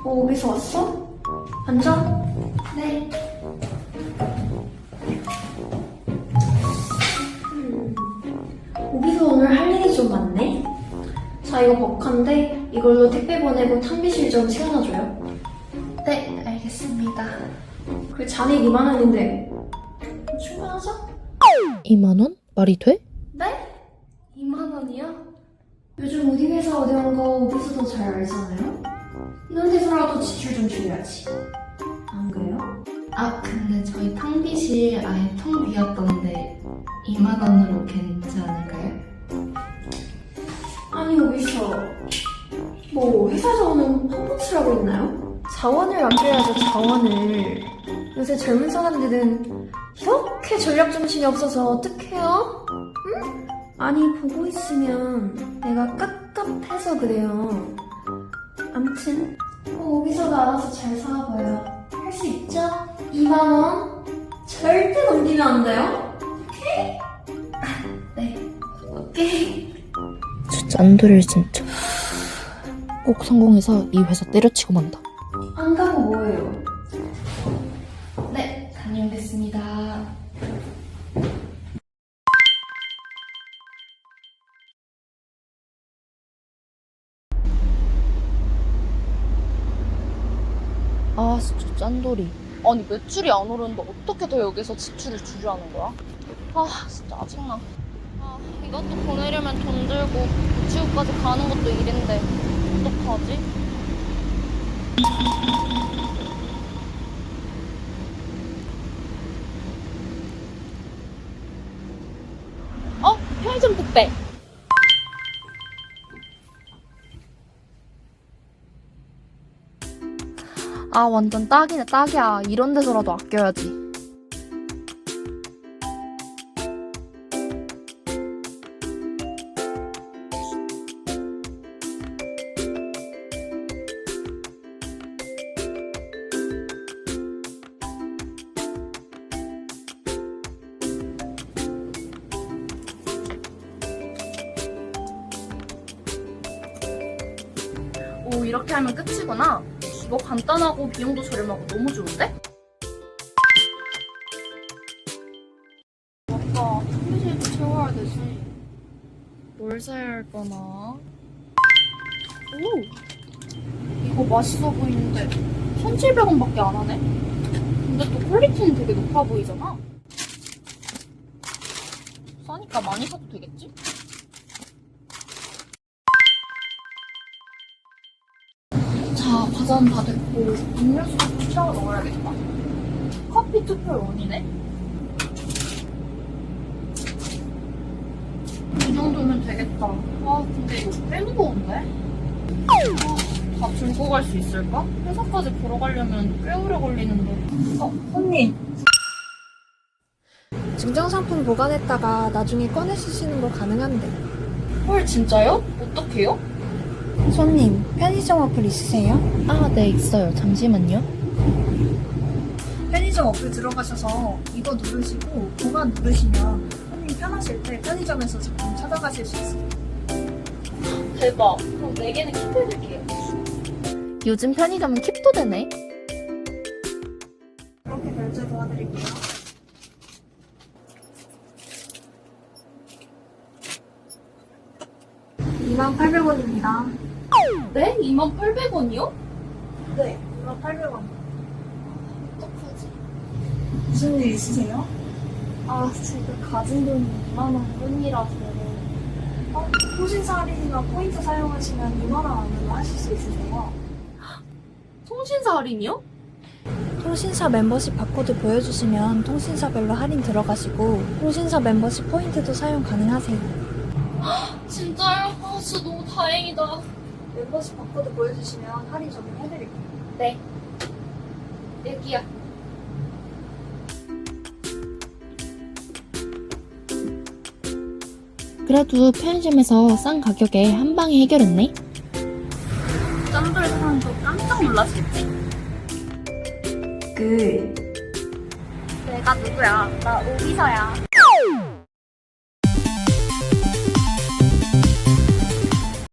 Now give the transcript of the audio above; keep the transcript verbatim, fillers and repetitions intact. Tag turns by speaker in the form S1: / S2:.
S1: 어, 어디서 왔어? 앉아. 네. 음, 여기서 오늘 할 일이 좀 많네? 자, 이거 버카인데 이걸로 택배 보내고 탕비실 좀 채워놔줘요. 네, 알겠습니다. 그 잔액 이만 원인데 충분하죠?
S2: 이만 원? 말이 돼?
S1: 네? 이만 원이요? 요즘 우리 회사 어디 온 거 어디서도 잘 알잖아요? 이런 데서라도 지출 좀 줄여야지. 안 그래요?
S3: 아, 근데 저희 탕비실 아예 텅 비었던데 이만 원으로 괜찮지 않을까요?
S1: 아니 여기서 뭐 회사 자원은 펑펑치라고 있나요? 자원을 아껴야죠, 자원을. 요새 젊은 사람들은 이렇게 전략 정신이 없어서 어떡해요? 응? 아니 보고 있으면 내가 깝깝해서 그래요. 암튼 뭐 여기서도 알아서 잘 사와봐요. 할 수 있죠? 이만 원 절대 넘기면 안 돼요. 오케이? 아, 네, 오케이.
S2: 저 짠돌이 진짜. 꼭 성공해서 이 회사 때려치고 만다.
S1: 안 가고 뭐예요?
S3: 네, 다녀오겠습니다.
S2: 아 진짜 짠돌이. 아니 매출이 안 오르는데 어떻게 더 여기서 지출을 줄이라는 거야? 아 진짜 짜증나. 아 이것도 보내려면 돈 들고 우체국까지 가는 것도 일인데 어떡하지? 어? 편의점 택배. 아 완전 딱이네 딱이야. 이런 데서라도 아껴야지. 오 이렇게 하면 끝이구나. 이거 간단하고 비용도 저렴하고 너무 좋은데? 아까 탕비실도 채워야 되지. 뭘 사야 할거나? 오! 이거 맛있어 보이는데 천칠백 원밖에 안 하네? 근데 또 퀄리티는 되게 높아 보이잖아? 싸니까 많이 사도 되겠지? 자, 과자는 다 됐고 음료수도 채워 넣어야겠다. 커피 투표 원이네? 이 정도면 되겠다. 아, 근데 이거 꽤 무거운데? 아, 다 들고 갈 수 있을까? 회사까지 보러 가려면 꽤 오래 걸리는데. 어, 손님.
S4: 증정상품 보관했다가 나중에 꺼내 쓰시는 거 가능한데.
S2: 헐, 진짜요? 어떡해요?
S4: 손님, 편의점 어플 있으세요?
S2: 아, 네, 있어요. 잠시만요.
S4: 편의점 어플 들어가셔서 이거 누르시고 보관 누르시면 손님 편하실 때 편의점에서 제품 찾아가실 수 있어요.
S2: 대박. 그럼 네 개는 킵해줄게요. 요즘 편의점은 킵도 되네.
S4: 이렇게 결제 도와드릴게요. 이만 팔백 원입니다.
S2: 네? 이만 팔백 원이요?
S4: 네, 이만 팔백 원.
S2: 어떡하지?
S4: 무슨 일 있으세요?
S2: 아, 지금 가진 돈이 이만 원뿐이라서.
S4: 어, 통신사 할인이나 포인트 사용하시면 이만 원 안으로 하실 수 있으세요.
S2: 통신사 할인이요?
S4: 통신사 멤버십 바코드 보여주시면 통신사별로 할인 들어가시고 통신사 멤버십 포인트도 사용 가능하세요.
S2: 진짜요? 아, 진짜 너무 다행이다.
S4: 멤버십 바코드 보여주시면 할인 적용해드릴게요.
S2: 네. 여기요. 그래도 편의점에서 싼 가격에 한 방에 해결했네. 짠돌 사람도 깜짝 놀랐겠지?
S1: 그
S2: 내가 누구야? 나 오비서야.